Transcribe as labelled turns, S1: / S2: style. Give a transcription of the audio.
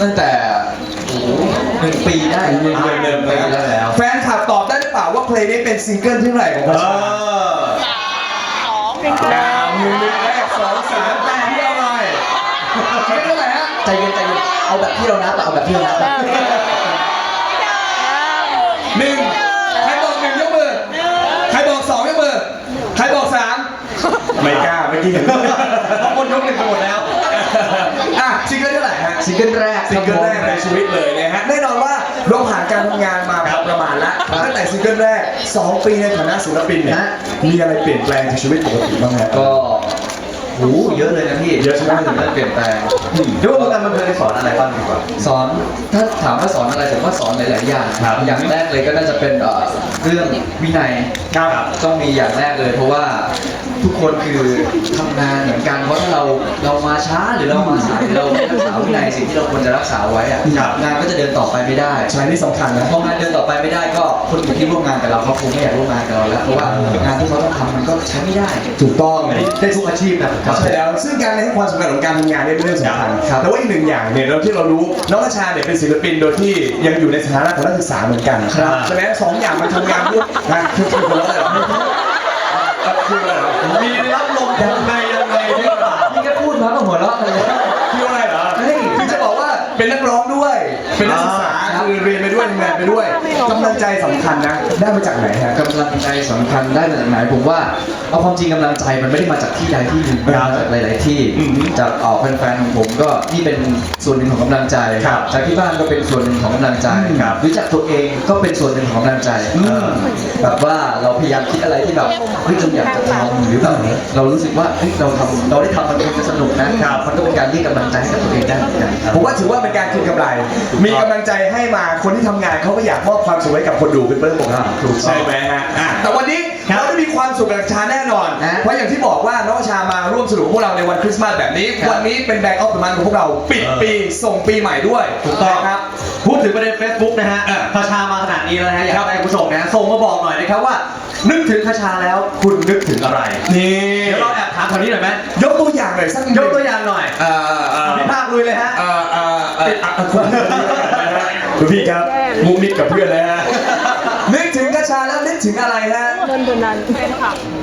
S1: ตั้งแต่1 ปีได้1 ปีแล้ว
S2: แฟนคลับตอบได้หรือเปล่าว่าเพลงนี้เป็นซิงเกิลที่เท่าไหร่ของเขา1 แรก2 3แต่ที่เอาไปซิงเกิลเท่าไหร่ฮะ
S1: ใจเย็นเอาแบบที่เรานับเอาแบบที่เรานับ
S2: 1ใครบอก1ยกมือใครบอก2ยกมือใครบอก3ไม่กล้าเมื่อกี้เห็นเพราะคนยก1ไปหมดแล้วซิงเกิลเท่าไหร่ฮะ
S1: ซิงเกิลแรก
S2: ในชีวิตเลยนะฮะแน่นอนว่าเราผ่านการทำงานมาประมาณละตั้งแต่ซิงเกิลแรก2 ปีในฐานะศิลปินเนี่ยมีอะไรเปลี่ยนแปลงจากชีวิตปกติบ้างครับ
S1: ก็เยอะเลยนะพี่
S2: เยอะใช่ไหม
S1: ถึงจะเปลี่ยนแปลง
S3: เรียกว่าวงการบันเทิงสอนอะไรบ้างดีกว่า
S1: สอนถ้าถามว่าสอนอะไรผมว่าสอนหลายๆอย่างอย่างแรกเลยก็น่าจะเป็นเรื่องวินัยต้องมีอย่างแรกเลยเพราะว่าทุกคนคือทำงานเหมือนกันเพราะถ้าเรามาช้าหรือเรามาสายเราไม่รักษาวินัยสิ่งที่เราควรจะรักษาไว้งานก็จะเดินต่อไปไม่ได้
S2: ใช่นี่สำคัญนะ
S1: พองานเดินต่อไปไม่ได้ก็คนอื่นที่ร่วมงานกับเราเขาคงไม่อยากร่วมงานกับเราแล้วเพราะว่างานที่เขาต้องทำมันก็ใช้ไม่ได้
S2: ถูกต้อง
S3: ได้ทุกอาชีพนะ
S2: ใช่แล้วซึ่งการให้ความสำคัญของการทำงานเนี่ยเป็นเรื่องสำคัญแต่ว่าอีกหนึ่งอย่างเนี่ยเราที่เรารู้น้องณชาเนี่ยเป็นศิลปินโดยที่ยังอยู่ในสถานะของนักศึกษาเหมือนกันใช่ไหม2 อย่างมันทำงานร่วมกันคือคนละแบบ
S3: มีรับลมยังไงพี่
S1: ก็พูดมาก็หัวเราะเลย
S2: คืออะไรเหรอคือจะบอกว่าเป็นนักร้องด้วยเป็นนักศึกษาคือเรียนไปด้วยทำงานไปด้วยกำลังใจสำคัญนะได้มาจากไหนฮะ
S1: กำลังใจสำคัญได้มาจากไหนผมว่าเอาความจริงกำลังใจมันไม่ได้มาจากที่ใดที่หนึ่งมาจากหลายๆที่จากแฟนๆของผมก็นี่เป็นส่วนหนึ่งของกำลังใจจากที่บ้านก็เป็นส่วนหนึ่งของกำลังใจรู้จักตัวเองก็เป็นส่วนหนึ่งของกำลังใจแบบว่าเราพยายามคิดอะไรที่แบบเฮ้ยเราอยากจะทำหรือแบบเรารู้สึกว่าเฮ้ยเราได้ทำมันคงจะสนุกนะมันก็เป็นการเรียกกำลังใจให้กับตัวเองได้เหมือนกัน
S2: ผมว่าถือว่าเป็นการคืนกำไรมีกำลังใจให้มาคนที่ทำงานเขาก็อยากมอบความสุขให้กับคนดูเป็นเรื่องปกติถูกใช่ไหมฮะแต่วันนี้เราได้มีความสุขกับชาแน่นอนเพราะอย่างที่บอกว่าน้องชามาร่วมสนุกพวกเราในวันคริสต์มาสแบบนี้วันนี้เป็นแบงก์ออฟเดอะมันของพวกเราปิดปีส่งปีใหม่ด้วย
S3: ถูกต้อง
S2: ครับ
S3: พูดถึงประเด็น Facebook นะฮะคาชามาขนาดนี้แล้วนะฮะอยากให้คุณผู้ชมนะส่งมาบอกหน่อยนะครับว่านึกถึงคาชาแล้วคุณนึกถึงอะไร
S2: นี่
S3: เดี๋ยวเราแอบถามคนนี้หน่อยไหม
S2: ยกตัวอย่างหน่อยสัก
S3: ยกตัวอย่างหน่อยพี่ภาคลุยเลยฮะ
S2: คุณพี่ครับมุกมิดกับเพื่อนเลยฮะนึกถึงคาชาแล้วนึกถึงอะไรฮะ
S4: นนทนันเป็นค่ะ